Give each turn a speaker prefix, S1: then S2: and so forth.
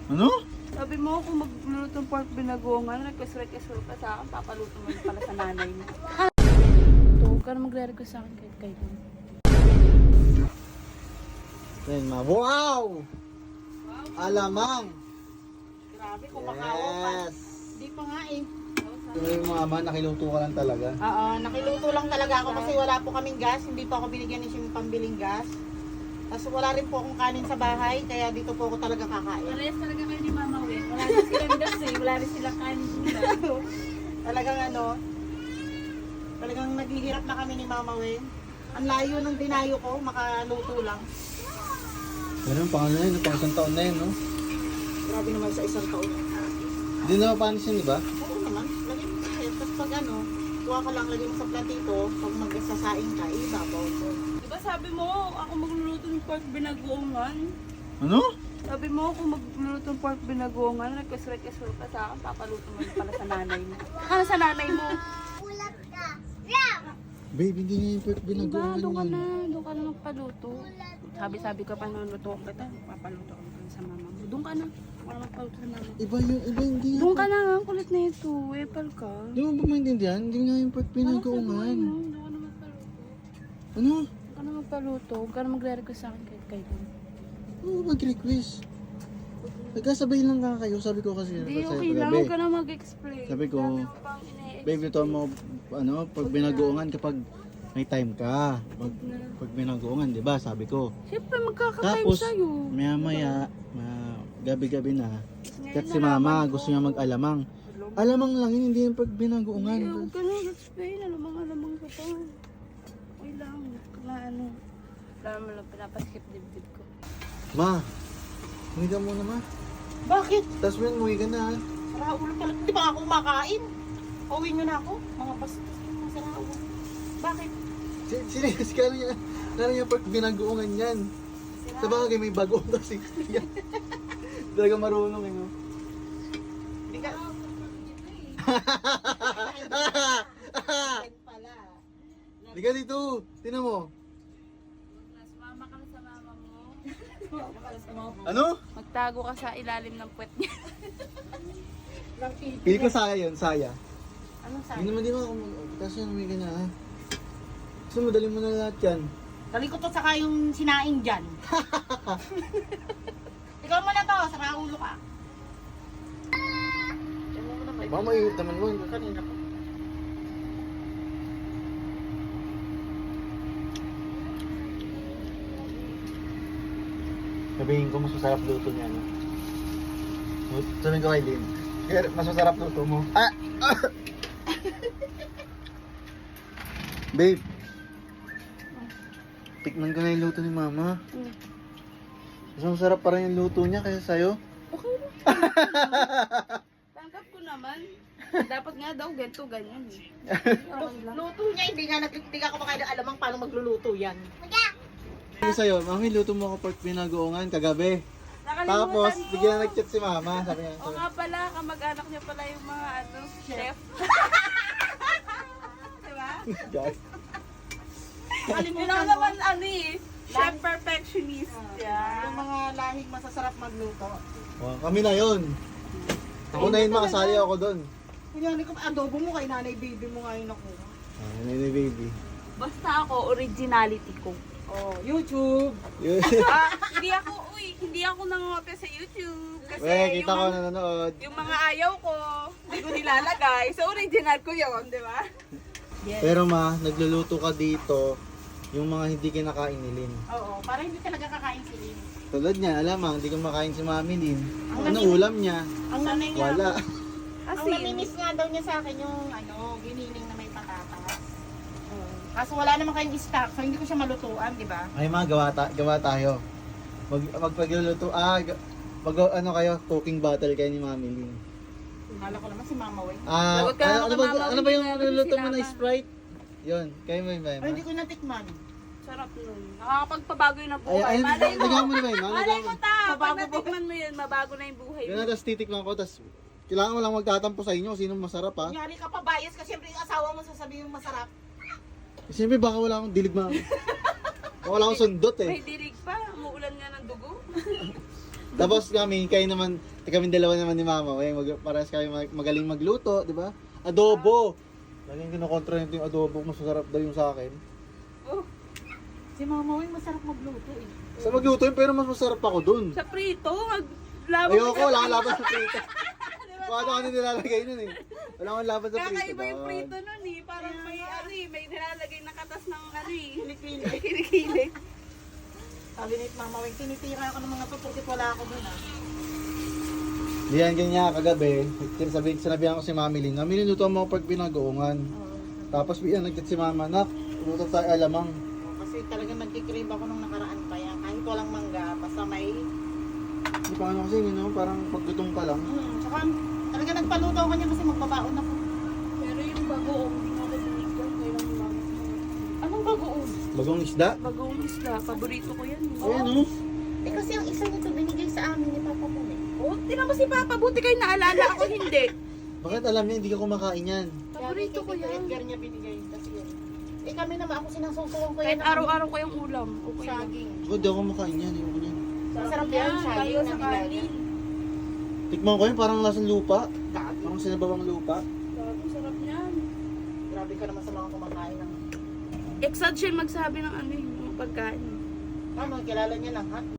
S1: Ano?
S2: Sabi mo kung magluluto ng pork binagongan, request ka sa akin, papaluto mo yun pala sa nanay mo. So, huwag ka na magre-request sa akin kahit kailan.
S1: Yan, ma. Wow! Alamang!
S3: Grabe, kumakawa pa.
S1: Yes!
S3: Di pa nga eh.
S1: Ito yung mama, nakiluto ka lang talaga.
S3: Oo, nakiluto lang talaga ako kasi wala po kaming gas. Hindi po ako binigyan ni Shim pambiling gas. Tapos wala rin po akong kanin sa bahay, kaya dito po ako talaga kakain.
S2: Parehas talaga kayo ni Mama Wen. Wala rin silang gas eh. Wala rin silang kanin.
S3: Talagang talagang naghihirap na kami ni Mama Wen. Ang layo ng dinayo ko, makaluto lang.
S1: Ganun, pang ano yun, pang isang taon na yun, no?
S3: Grabe naman sa isang taon.
S1: Hindi na mapanis yun, di ba?
S3: Oo naman, lagay mo sa head. Tapos pag kuha ka lang, lagay mo sa platito, pag magsasaing ka, ibabaw ko.
S2: Diba sabi mo, ako magluluto ng pork binagongan?
S1: Ano?
S2: Sabi mo kung magluluto ng pork binagongan, request ka sa akin, papaluto mo yun pala sa nanay mo. Ano sa nanay mo?
S1: Babe, hindi nga yung pork
S2: Diba,
S1: binagongan
S2: doon
S1: yan.
S2: ka na magpaluto. Sabi ko pa nuluto kita, papaluto ko pala sa mama mo. Doon ka na, wala magpaluto sa mama mo.
S1: Iba hindi nga.
S2: Doon ka na nga, ang kulit na ito, epal ka.
S1: Di mo ba maintindihan? Hindi nga yung pork binagongan.
S2: Doon ka na magpaluto.
S1: Ano?
S2: Doon ka na magpaluto, huwag ka na magre-request sa akin kahit kailan.
S1: Oo, mag-request. Nagkasabay lang ka kayo, sabi ko kasi.
S2: Hindi,
S1: sa'yo
S2: okay lang,
S1: kagabi.
S2: huwag ka na mag-explain.
S1: Sabi ko,
S2: Dami mo pang ine-explain.
S1: Babe, ito mo, pag binagoongan kapag may time ka. Pag binagoongan, di ba? Sabi ko.
S2: Siyempre, magkaka-time
S1: Tapos,
S2: sa'yo.
S1: maya-maya, gabi-gabi na.
S2: Ngayon
S1: Kat si
S2: nalaman
S1: mama,
S2: ko.
S1: gusto niya mag-alamang. Alamang lang yun, hindi yung pag binagoongan.
S2: Hindi, huwag ka na mag-explain. Alamang ka pa. Okay lang. Na ano. Wala mo lang pinapaskip dibdib ko.
S1: Ma, umuwi ka muna, ma.
S3: Bakit?
S1: Tapos mo umuwi ka na, ha?
S3: Sara ulo pala. Di ba ako kumakain? Uwi nyo na ako. Mga bastos yung sara ulo. Bakit?
S1: Serious ka niya. Lalo niya pag binagoongan yan. Sa bagay, may bago na 60 yan. Talaga marunong, eh, no?
S3: Di ka... pala.
S1: Hindi ka dito. Tinan mo.
S2: Mama ka na sa mama mo.
S1: Ano?
S2: Magtago ka sa ilalim ng puwet niya.
S1: Pili ko saya yun, saya.
S3: Anong sabi?
S1: Hindi naman di ba ako kasi umuwi ka na, ha? Gusto mo, dali mo na lahat yan.
S3: Talikot at saka yung sinaing dyan. Ikaw mo na to, sara ulo ka.
S1: Baka maiit naman mo.
S3: Kanina pa.
S1: Sabihin ko, mas masarap luto niya, no? Sabihin ko kay Lynn. Mas masarap luto mo. Ah! Babe. Tikman ko na yung luto ni mama. Mas masarap pa rin yung luto niya kaysa sa'yo.
S2: Okay lang. Tangkap ko naman. Dapat nga daw, ganito, ganyan. Okay lang.
S3: Luto niya, hindi ka kumakain ng alamang paano magluluto yan.
S1: Sabi sa'yo, mami, luto mo ako pork binagoongan kagabi. Tapos,
S2: Nakalimutan ko.
S1: bigyan na nag-chat si mama. Sabi niya,
S2: O nga pala, kamag-anak niya pala yung mga chef. Diba?
S1: guys.
S2: Yun lang naman chef perfectionist.
S3: Yung
S2: Yeah.
S3: mga lahing masasarap magluto.
S1: Oh, kami na yun. Ako na yun, makasali ako doon.
S3: Kunyari ko, adobo mo kay nanay baby mo ngayon ako.
S1: Nini baby.
S2: Basta ako, originality ko.
S3: Oh, YouTube.
S1: Yun.
S2: Hindi ako nangope sa YouTube. Kasi
S1: Weh, kita ko
S2: yung,
S1: nanonood.
S2: yung mga ayaw ko, hindi ko nilalagay. So, original ko yun, di ba?
S1: Pero ma, nagluluto ka dito yung mga hindi kinakain ni Lynn.
S3: Oo, para hindi talaga kakain si Lynn.
S1: Tulad niya, alamang, hindi ko makain si Mami Lynn.
S3: Ang
S1: Ano
S3: nami-
S1: ulam niya?
S3: Ang nanay niya,
S1: Wala.
S3: ang namimiss nga daw niya sa akin yung giniling na may patatas. Kaso wala naman kayong stock, so hindi ko siya malutuan, di ba?
S1: Ay ma, gawa tayo. Magpagluluto, ano kayo, cooking battle kayo ni Mami Lynn.
S3: Akala ko naman si Mama Way.
S2: Lagot ka naman kay Mama
S1: ano ba
S2: Lynn,
S1: yung
S2: lalo
S1: niluluto
S2: si
S1: mo na
S2: Mama.
S1: Sprite? Yun, kayo mo yun ba?
S3: Ay, hindi ko natikman.
S2: Sarap nun. Nakakapagpabago yun ang buhay.
S1: Ay,
S2: Malay mo.
S1: nagawa mo na ba yun?
S2: Malay mo ta. Pag
S3: Mabago po.
S2: natikman mo yun, mabago na yung buhay
S1: Yun
S2: mo.
S1: na, tapos titikman ko, tapos kailangan mo lang magtatampo sa inyo, sino masarap ha?
S3: Kunyari ka pa bias kasi siyempre yung asawa mo sasabihin yung masarap.
S1: Siyempre baka wala akong dilig ma. Baka wala akong sundot
S2: May
S1: eh.
S2: dirig pa. Umuulan nga ng dugo.
S1: Tapos kami, kayo naman, Kami dalawa naman ni Mama, parehas kami magaling magluto, di ba? Adobo! Laging kinokontra nito yung adobo, mas masarap daw yung sa akin.
S3: Oh. Si Mama Wing masarap magluto eh.
S1: Sa magluto yun, pero mas masarap ako dun.
S2: Sa prito, maglaban
S1: Ayoko, wala akong laban sa prito. Paano ka nilalagay nun eh? Wala akong laban sa prito.
S2: Kakaiba yung
S1: doon.
S2: prito nun eh. Parang may may nilalagay na katas ng kilikili.
S3: Sabi ni Mama Wing, tinitira ako ng mga tutukit, wala ako dun ah.
S1: Di yan ganyan kagabi. Sinabihan ko si Mami Lynn, Mami Lynn, luto mo ako pag pinagoongan. Tapos yan, nagtat si Mama, nak, luto tayo alamang.
S3: Kasi talagang nagkikrave ako nung nakaraan pa yan. Kahit walang mangga, basta may...
S1: Di pa ano kasi, parang paggutom pa lang.
S3: Tsaka talaga nagpaluto ako niya kasi magbabaon ako.
S2: Pero yung bagoong, hindi nga ako binigyan. Kailang mami.
S3: Anong bagoon?
S1: Bagong isda.
S2: Bagoong isda, paborito ko yan.
S1: Ayan oh.
S3: Eh kasi ang isa nito binigay sa amin ni Papa mo eh.
S2: Oh, tinan mo si Papa, buti kayo naalala ako hindi.
S1: Bakit alam niya, hindi ka kumakain yan?
S2: Paborito ko yan.
S3: Edgar niya binigay kasi yan. Eh kami naman, ako sinasusuwang ko yan.
S2: Kahit araw-araw ko yung ulam, okay lang.
S3: Saging.
S1: Ako, di ako kumakain yan. Ayoko yan.
S3: Masarap yan,
S2: Kayo
S3: saging
S2: sa
S3: na
S2: kanin.
S3: nilaga.
S1: Tikman ko yun, parang lasang lupa.
S3: Gabi.
S1: Parang sinabawang lupa.
S2: Grabe, sarap niyan.
S3: Grabe ka naman sa mga kumakain ng...
S2: Exad siya magsabi ng ano yung mga pagkain.
S3: Ano, kilala niya lang ha?